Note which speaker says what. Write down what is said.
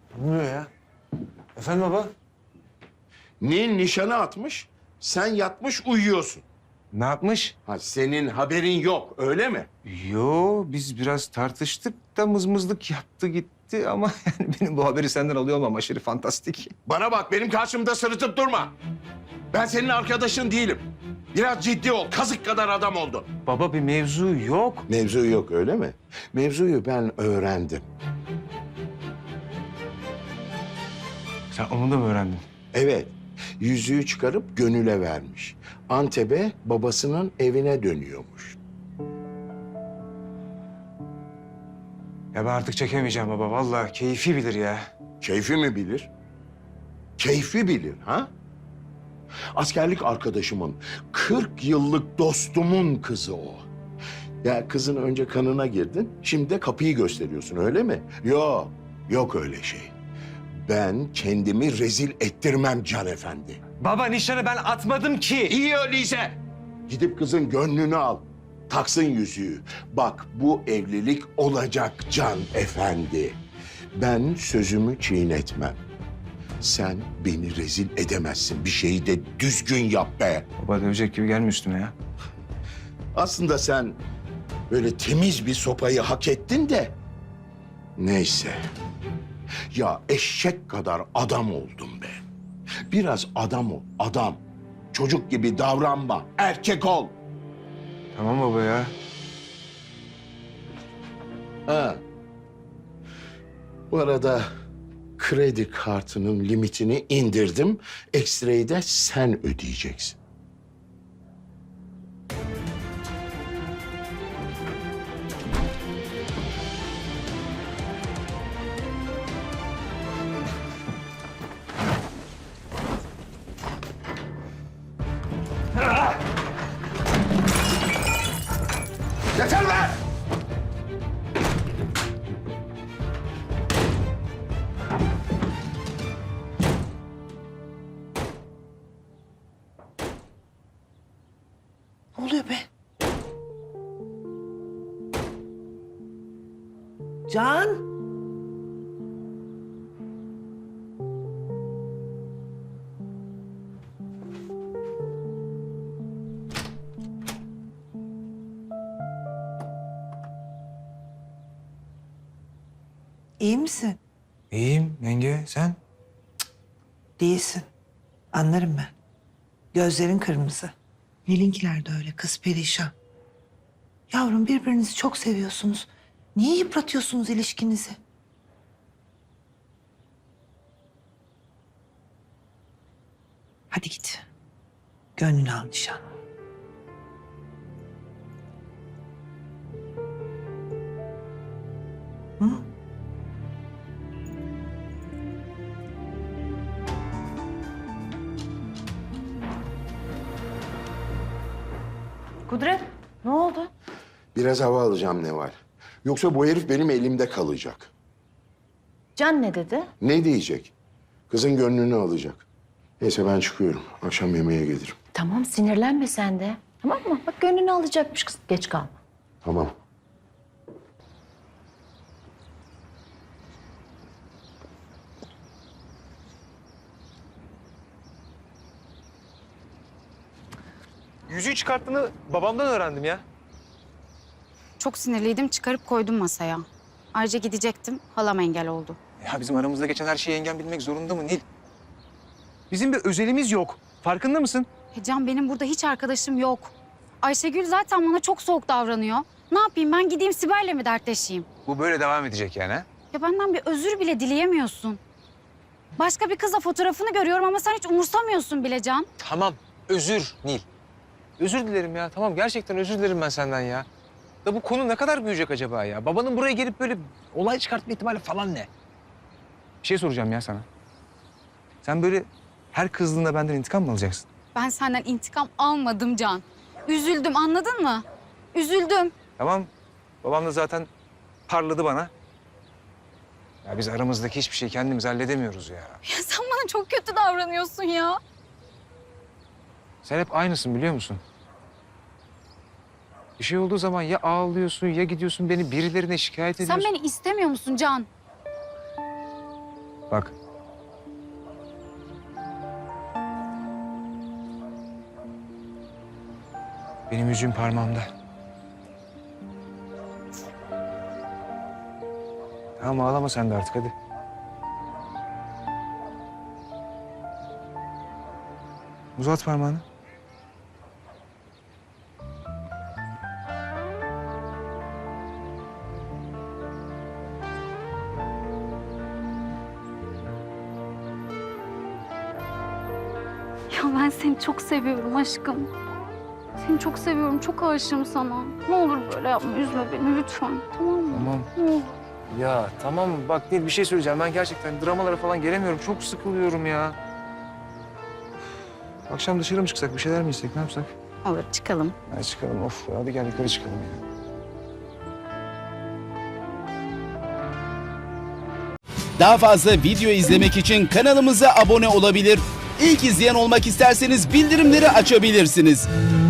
Speaker 1: Ne oluyor ya? Efendim baba?
Speaker 2: Nil nişanı atmış, sen yatmış uyuyorsun.
Speaker 1: Ne yapmış?
Speaker 2: Ha, senin haberin yok, öyle mi?
Speaker 1: Yo, biz biraz tartıştık da mızmızlık yaptı gitti ama yani benim bu haberi senden alıyor olmam aşırı fantastik.
Speaker 2: Bana bak, benim karşımda sırıtıp durma. Ben senin arkadaşın değilim. Biraz ciddi ol, kazık kadar adam oldun.
Speaker 1: Baba bir mevzu yok.
Speaker 2: Mevzu yok, öyle mi? Mevzuyu ben öğrendim.
Speaker 1: Sen onu da mı öğrendin?
Speaker 2: Evet, yüzüğü çıkarıp Gönül'e vermiş. Antep'e babasının evine dönüyormuş.
Speaker 1: Ya ben artık çekemeyeceğim baba. Vallahi keyfi bilir ya.
Speaker 2: Keyfi mi bilir? Keyfi bilir, ha? Askerlik arkadaşımın, 40 yıllık dostumun kızı o. Ya kızın önce kanına girdin, şimdi de kapıyı gösteriyorsun, öyle mi? Yok, yok öyle şey. Ben kendimi rezil ettirmem Can Efendi.
Speaker 1: Baba nişanı ben atmadım ki.
Speaker 2: İyi öyleyse. Gidip kızın gönlünü al. Taksın yüzüğü. Bak bu evlilik olacak Can Efendi. Ben sözümü çiğnetmem. Sen beni rezil edemezsin. Bir şeyi de düzgün yap be.
Speaker 1: Baba dövecek gibi gelme üstüme ya.
Speaker 2: Aslında sen böyle temiz bir sopayı hak ettin de. Neyse. Ya eşek kadar adam oldum be. Biraz adam ol, adam. Çocuk gibi davranma, erkek ol.
Speaker 1: Tamam baba ya.
Speaker 2: Ha. Bu arada kredi kartının limitini indirdim. Ekstrayı da sen ödeyeceksin. Yeter be!
Speaker 3: Ne oluyor be? Can? İyi misin?
Speaker 1: İyiyim yenge sen?
Speaker 3: Değilsin. Anlarım ben. Gözlerin kırmızı. Nelinkiler de öyle, kız perişan. Yavrum birbirinizi çok seviyorsunuz. Niye yıpratıyorsunuz ilişkinizi? Hadi git. Gönlünü al nişan. Hı?
Speaker 4: Kudret, ne oldu?
Speaker 2: Biraz hava alacağım Neval. Yoksa bu herif benim elimde kalacak.
Speaker 4: Can ne dedi?
Speaker 2: Ne diyecek? Kızın gönlünü alacak. Neyse ben çıkıyorum. Akşam yemeğe gelirim.
Speaker 4: Tamam, sinirlenme sen de. Tamam mı? Bak gönlünü alacakmış kız. Geç kalma.
Speaker 2: Tamam.
Speaker 1: Yüzüğü çıkarttığını babamdan öğrendim ya.
Speaker 5: Çok sinirliydim, çıkarıp koydum masaya. Ayrıca gidecektim, halam engel oldu.
Speaker 1: Ya bizim aramızda geçen her şeyi yengen bilmek zorunda mı Nil? Bizim bir özelimiz yok. Farkında mısın?
Speaker 5: Can benim burada hiç arkadaşım yok. Ayşegül zaten bana çok soğuk davranıyor. Ne yapayım ben gideyim Sibel'le mi dertleşeyim?
Speaker 1: Bu böyle devam edecek yani ha?
Speaker 5: Ya benden bir özür bile dileyemiyorsun. Başka bir kızla fotoğrafını görüyorum ama sen hiç umursamıyorsun bile Can.
Speaker 1: Tamam, özür Nil. Özür dilerim ya, tamam gerçekten özür dilerim ben senden ya. Da bu konu ne kadar büyüyecek acaba ya? Babanın buraya gelip böyle olay çıkartma ihtimali falan ne? Bir şey soracağım ya sana. Sen böyle her kızdığında benden intikam mı alacaksın?
Speaker 5: Ben senden intikam almadım Can. Üzüldüm anladın mı? Üzüldüm.
Speaker 1: Tamam, babam da zaten parladı bana. Ya biz aramızdaki hiçbir şeyi kendimiz halledemiyoruz ya.
Speaker 5: Ya sen bana çok kötü davranıyorsun ya.
Speaker 1: Sen hep aynısın biliyor musun? Bir şey olduğu zaman ya ağlıyorsun ya gidiyorsun beni birilerine şikayet ediyorsun.
Speaker 5: Sen beni istemiyor musun Can?
Speaker 1: Bak. Benim yüzüğüm parmağımda. Tamam ağlama sen de artık hadi. Uzat parmağını.
Speaker 5: Ya ben seni çok seviyorum aşkım. Seni çok seviyorum, çok aşığım sana. Ne olur böyle yapma, üzme beni lütfen. Tamam mı?
Speaker 1: Tamam.
Speaker 5: Ne olur.
Speaker 1: Ya tamam bak Nil bir şey söyleyeceğim. Ben gerçekten dramalara falan gelemiyorum. Çok sıkılıyorum ya. Akşam dışarı mı çıksak? Bir şeyler mi içsek? Ne yapsak?
Speaker 5: Olur, çıkalım.
Speaker 1: Hadi çıkalım. Of hadi gel yukarı çıkalım ya.
Speaker 6: Daha fazla video izlemek için kanalımıza abone olabilir. İlk izleyen olmak isterseniz bildirimleri açabilirsiniz.